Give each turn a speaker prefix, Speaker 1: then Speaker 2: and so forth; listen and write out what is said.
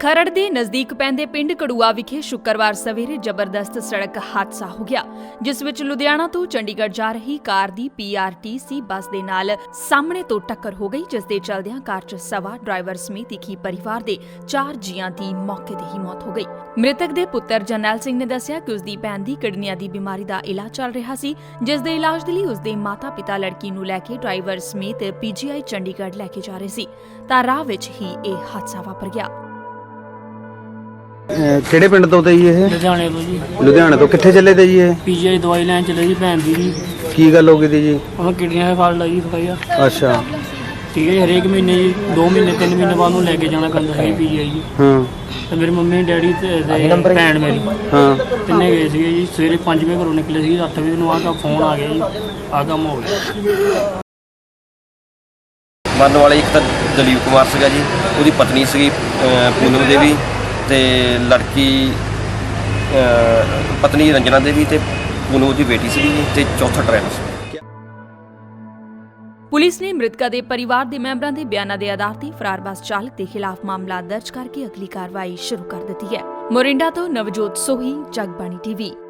Speaker 1: ਖਰੜ ਦੇ ਨਜ਼ਦੀਕ ਪੈਂਦੇ ਪਿੰਡ ਕੜੂਆ ਵਿਖੇ ਸ਼ੁੱਕਰਵਾਰ ਸਵੇਰੇ ਜ਼ਬਰਦਸਤ ਸੜਕ ਹਾਦਸਾ ਹੋ ਗਿਆ, ਜਿਸ ਵਿੱਚ ਲੁਧਿਆਣਾ ਤੋਂ ਚੰਡੀਗੜ੍ਹ ਜਾ ਰਹੀ ਕਾਰ ਦੀ PRTC ਬੱਸ ਦੇ ਨਾਲ ਸਾਹਮਣੇ ਤੋਂ ਟੱਕਰ ਹੋ ਗਈ, ਜਿਸ ਦੇ ਚਲਦਿਆਂ ਕਾਰ 'ਚ ਸਵਾਰ ਡਰਾਈਵਰ ਸਮੇਤ ਇੱਕ ਹੀ ਪਰਿਵਾਰ ਦੇ 4 ਜੀਆਂ ਦੀ ਮੌਕੇ ਤੇ ਹੀ ਮੌਤ ਹੋ ਗਈ। ਮ੍ਰਿਤਕ ਦੇ ਪੁੱਤਰ ਜਰਨੈਲ ਸਿੰਘ ਨੇ ਦੱਸਿਆ ਕਿ ਉਸ ਦੀ ਭੈਣ ਦੀ ਕਿਡਨੀਆਂ ਦੀ ਬਿਮਾਰੀ ਦਾ ਇਲਾਜ ਚੱਲ ਰਿਹਾ ਸੀ, ਜਿਸ ਦੇ ਇਲਾਜ ਦੇ ਲਈ ਉਸ ਦੇ ਮਾਤਾ-ਪਿਤਾ ਲੜਕੀ ਨੂੰ ਲੈ ਕੇ ਡਰਾਈਵਰ ਸਮੇਤ PGI ਚੰਡੀਗੜ੍ਹ ਲੈ ਕੇ ਜਾ ਰਹੇ ਸੀ ਤਾਂ ਰਾਹ ਵਿੱਚ ਹੀ ਇਹ ਹਾਦਸਾ ਵਾਪਰ ਗਿਆ।
Speaker 2: ਕਿਹੜੇ ਪਿੰਡ ਤੋਂ ਤੇ ਜੀ ਇਹ?
Speaker 3: ਲੁਧਿਆਣੇ ਤੋਂ ਜੀ।
Speaker 2: ਲੁਧਿਆਣੇ ਤੋਂ ਕਿੱਥੇ ਚੱਲੇ ਤੇ ਜੀ ਇਹ?
Speaker 3: PGI ਦਵਾਈ ਲੈਣ ਚੱਲੇ ਜੀ ਭੈਣ ਦੀ ਜੀ।
Speaker 2: ਕੀ ਗੱਲ ਹੋ ਗਈ ਤੀ ਜੀ?
Speaker 3: ਉਹਨਾਂ ਕਿਡਨੀਆਂ ਦਾ ਫਾਲਟ ਆ ਜੀ ਥੋੜਾ ਜਿਹਾ।
Speaker 2: ਅੱਛਾ
Speaker 3: ਠੀਕ ਹੈ ਜੀ, ਹਰੇਕ ਮਹੀਨੇ ਜੀ 2 ਮਹੀਨੇ 3 ਮਹੀਨੇ ਬਾਅਦ ਨੂੰ ਲੈ ਕੇ ਜਾਣਾ ਪੈਂਦਾ ਹੈ PGI ਜੀ।
Speaker 2: ਹਾਂ
Speaker 3: ਤੇ ਮੇਰੇ ਮੰਮੀ ਡੈਡੀ ਤੇ ਭੈਣ ਮੇਰੀ
Speaker 2: ਹਾਂ
Speaker 3: ਤਿੰਨੇ ਗਏ ਸੀਗੇ ਜੀ। ਸਵੇਰੇ 5 ਵਜੇ ਘਰੋਂ ਨਿਕਲੇ ਸੀ, 8 ਵਜੇ ਨੂੰ ਆਹ ਫੋਨ ਆ ਗਿਆ ਜੀ, ਆਹ ਕੰਮ ਹੋ ਗਿਆ।
Speaker 4: ਮਰਨ ਵਾਲੇ ਇੱਕ ਤਾਂ ਦਲੀਪ ਕੁਮਾਰ ਸੀਗਾ ਜੀ, ਉਹਦੀ ਪਤਨੀ ਸੀਗੀ ਪੂਨਮ ਦੇਵੀ ਤੇ ਲੜਕੀ ਪਤਨੀ ਰੰਜਨਾ ਦੇਵੀ ਤੇ ਪੂਨਮ ਦੀ ਬੇਟੀ ਸੀਗੀ ਤੇ ਚੌਥਾ ਡਰਾਈਵਰ ਸੀ।
Speaker 1: ਪੁਲਿਸ ਨੇ ਮ੍ਰਿਤਕਾਂ ਦੇ ਪਰਿਵਾਰ ਦੇ ਮੈਂਬਰਾਂ ਦੇ ਬਿਆਨਾਂ ਦੇ ਆਧਾਰ ਤੇ ਫਰਾਰ ਬੱਸ ਚਾਲਕ ਦੇ ਖਿਲਾਫ ਮਾਮਲਾ ਦਰਜ ਕਰਕੇ ਅਗਲੀ ਕਾਰਵਾਈ ਸ਼ੁਰੂ ਕਰ ਦਿੱਤੀ ਹੈ। ਮੋਰਿੰਡਾ ਤੋਂ ਨਵਜੋਤ ਸੋਹੀ, ਜਗਬਾਣੀ TV।